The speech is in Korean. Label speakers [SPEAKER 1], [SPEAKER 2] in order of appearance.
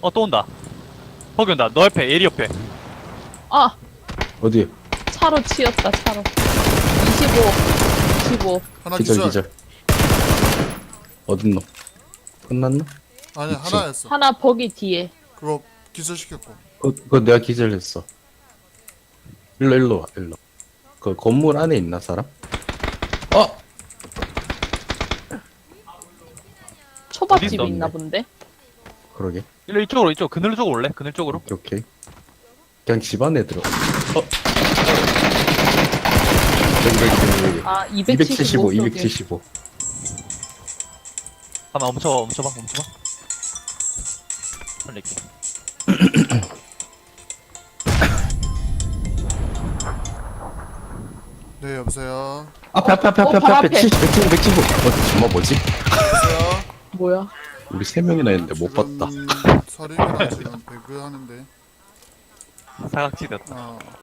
[SPEAKER 1] 또 온다. 거기 온다. 너 옆에, 예리 옆에.
[SPEAKER 2] 아,
[SPEAKER 3] 어디?
[SPEAKER 2] 차로 치였다, 차로. 25.
[SPEAKER 4] 하나
[SPEAKER 3] 기절
[SPEAKER 4] 기절.
[SPEAKER 3] 기절. 어딨노? 끝났나?
[SPEAKER 4] 아니
[SPEAKER 3] 그치.
[SPEAKER 4] 하나였어.
[SPEAKER 2] 하나 버기 뒤에.
[SPEAKER 4] 그거 기절시켰고.
[SPEAKER 3] 그거 내가 기절했어. 일로 와 일로. 그 건물 안에 있나 사람?
[SPEAKER 2] 초밥집
[SPEAKER 3] 어디
[SPEAKER 2] 있나
[SPEAKER 3] 있었네.
[SPEAKER 2] 본데?
[SPEAKER 3] 그러게.
[SPEAKER 1] 일로 이쪽으로, 이쪽. 그늘 쪽으로 올래? 그늘 쪽으로.
[SPEAKER 3] 오케이 오케이. 그냥 집 안에 들어. 여기.
[SPEAKER 2] 아,
[SPEAKER 3] 275
[SPEAKER 2] 275.
[SPEAKER 3] 275.
[SPEAKER 1] 잠깐만, 멈춰봐. 살릴게.
[SPEAKER 4] 네 여보세요.
[SPEAKER 3] 앞에
[SPEAKER 2] 바로 앞에.
[SPEAKER 3] 175. 정말 뭐지?
[SPEAKER 4] 여보세요.
[SPEAKER 2] 뭐야?
[SPEAKER 3] 우리 세 명이나 했는데 못 봤다.
[SPEAKER 4] 서린이랑 지금 배그 하는데.
[SPEAKER 1] 사각지 됐다.